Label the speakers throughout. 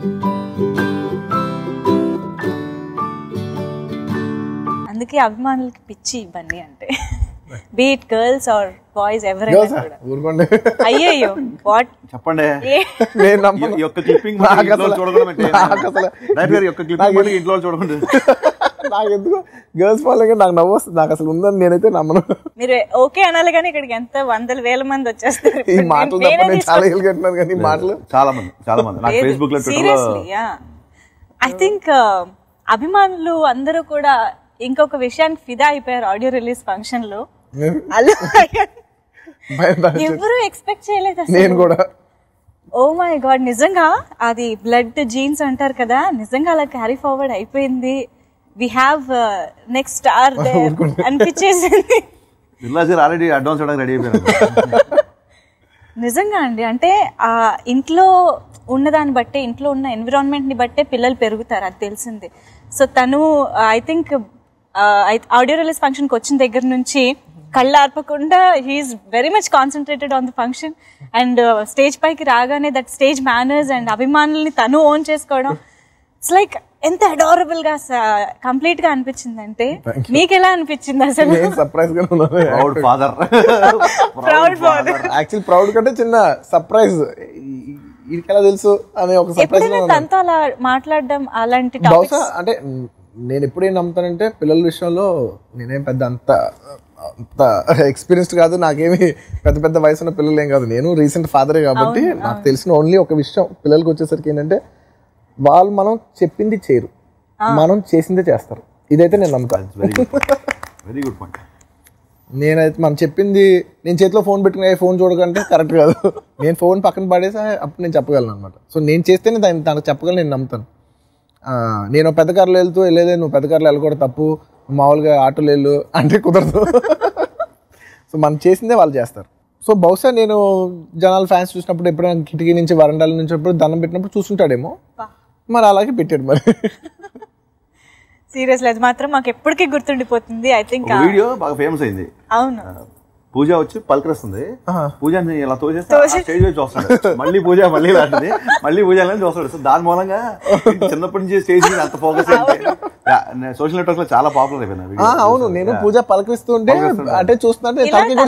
Speaker 1: అందుకే అభిమానులకి పిచ్చి బన్నీ అంటే, బీట్ గర్ల్స్ ఆర్ బాయ్స్ ఎవరైనా. అయ్యయ్యో వాట్
Speaker 2: చెప్పండి.
Speaker 3: నాకు ఎందుకు గర్ల్స్ ఫాలోయింగ్ నాకు నవ్వు వస్తుంది, నాకు అసలు ఉందని నేనైతే నమ్మను.
Speaker 1: మీరు ఓకే అనాలి కానీ ఇక్కడికి ఎంత 100,000 మంది వచ్చేస్తారు.
Speaker 3: ఈ మాటలు తప్ప నేను చాలా ఏళ్ళుకుంటున్నాను కానీ మాటలు
Speaker 2: చాలా మంది ఫేస్బుక్ లో
Speaker 1: సీరియస్లీ. ఐ థింక్ అభిమానులు అందరూ కూడా ఇంకొక విషయానికి ఫిదా అయిపోయారు ఆడియో రిలీజ్ ఫంక్షన్ లో. ఎవరు ఎక్స్పెక్ట్ చేయలేదు
Speaker 3: నేను కూడా.
Speaker 1: ఓ మై గాడ్, నిజంగా అది బ్లడ్ జీన్స్ అంటారు కదా, నిజంగా అలా క్యారీ ఫార్వర్డ్ అయిపోయింది. వి హ్యావ్ నెక్స్ట్ స్టార్ అనిపించేసింది.
Speaker 2: ఆల్రెడీ అడ్వాన్స్ రెడీ అయిపోయారు.
Speaker 1: నిజంగా అండి, అంటే ఆ ఇంట్లో ఉన్నదాన్ని బట్టే, ఇంట్లో ఉన్న ఎన్విరాన్మెంట్ ని బట్టే పిల్లలు పెరుగుతారు, అది తెలిసింది. సో తను I think audio release function కి వచ్చిన దగ్గర నుంచి కళ్ళు ఆర్పకుండా he's very much concentrated on the function. And stage పైకి రాగానే దట్ స్టేజ్ మేనర్స్ అండ్ అభిమానుల్ని తను ఓన్ చేసుకోవడం, ఇట్స్ లైక్ ఎంత అడారబుల్ గా కంప్లీట్ గా అనిపించింది. అంటే మీకు ఎలా అనిపించింది అసలు?
Speaker 3: సర్ప్రైజ్ గా
Speaker 2: ప్రౌడ్ ఫాదర్.
Speaker 3: యాక్చువల్ ప్రౌడ్ కంటే చిన్న సర్ప్రైజ్. ఇది ఎలా తెలుసు అనే ఒక సర్ప్రైజ్.
Speaker 1: తనతో అలా మాట్లాడడం అలాంటి
Speaker 3: బహుశా అంటే నేను ఎప్పుడేం నమ్ముతానంటే పిల్లల విషయంలో నేనేం పెద్ద అంత ఎక్స్పీరియన్స్డ్ కాదు, నాకేమి పెద్ద పెద్ద వయసు ఉన్న పిల్లలు ఏం కాదు. నేను రీసెంట్ ఫాదరే కాబట్టి నాకు తెలిసిన ఓన్లీ ఒక విషయం పిల్లలకి వచ్చేసరికి ఏంటంటే వాళ్ళు మనం చెప్పింది చేయరు, మనం చేసిందే చేస్తారు. ఇదైతే నేను నమ్ముతాను.
Speaker 2: Very good point.
Speaker 3: నేనైతే మనం చెప్పింది, నేను చేతిలో ఫోన్ పెట్టుకుని ఫోన్ చూడకంటే కరెక్ట్ కాదు. నేను ఫోన్ పక్కన పడేసి అప్పుడు నేను చెప్పగలను అనమాట. సో నేను చేస్తేనే తనకు చెప్పగలను, నేను నమ్ముతాను. నేను పెద్ద కార్లో వెళ్తూ వెళ్ళేదే, నువ్వు పెద్ద కార్లో వెళ్ళకూడదు, తప్పు, మామూలుగా ఆటోలు వెళ్ళు అంటే కుదరదు. సో మనం చేసిందే వాళ్ళు చేస్తారు. సో బహుశా నేను జనాలు ఫ్యాన్స్ చూసినప్పుడు ఎప్పుడైనా కిటికీ నుంచి వరండాల నుంచి దండం పెట్టినప్పుడు చూసుంటాడేమో, మరి అలాగే పెట్టాడు. మరి
Speaker 1: సీరియస్లీ అది మాత్రం మాకు ఎప్పటికీ గుర్తుండిపోతుంది. ఐ థింక్
Speaker 2: వీడియో బాగా ఫేమస్ అయింది.
Speaker 1: అవును,
Speaker 2: పూజ వచ్చి పలకరిస్తుంది, పూజని ఇలా తోచేస్తే స్టేజ్ వచ్చి వస్తాడు, మళ్ళీ పూజ మళ్ళీ లాంటిది, మళ్ళీ పూజ చూస్తాడు. సో దాని మూలంగా చిన్నప్పటి నుంచి స్టేజ్ మీద అంత ఫోకస్ సోషల్ నెట్వర్క్ లో చాలా పాపులర్ అయిపోయింది.
Speaker 3: అవును, నేను పూజ పలకరిస్తూ ఉంటే అంటే చూస్తుంటే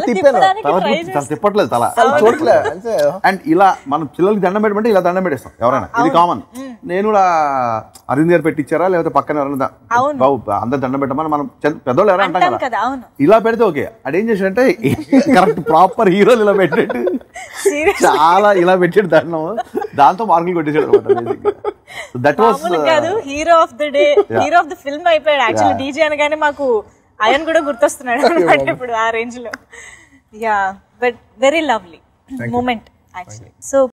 Speaker 2: తిప్పట్లేదు తల చూడట్లేదు. అండ్ ఇలా మనం పిల్లలకి దండం పెట్టమంటే ఇలా దండం పెట్టేస్తాం ఎవరైనా, ఇది కామన్. నేను కూడా అరవింద్ గారు పెట్టించారా లేకపోతే పక్కన ఎవరైనా అందరు దండం పెట్టమని మనం పెద్దోళ్ళు ఎవరైనా అంటాం కదా, ఇలా పెడితే ఓకే. అదేం చేసాడంటే కరెక్ట్ ప్రాపర్ హీరోలు ఇలా పెట్టాడు, చాలా ఇలా పెట్టాడు దండం, దాంతో మార్కులు కొట్టేసాడు అనమాట. That was
Speaker 1: hero of the day, hero of the film అయిపోయాడు. యాక్చువల్లీ డీజే అనగానే మాకు అయన్ కూడా గుర్తొస్తున్నాడు అనమాట ఇప్పుడు ఆ రేంజ్ లో. Yeah, but very lovely moment actually. So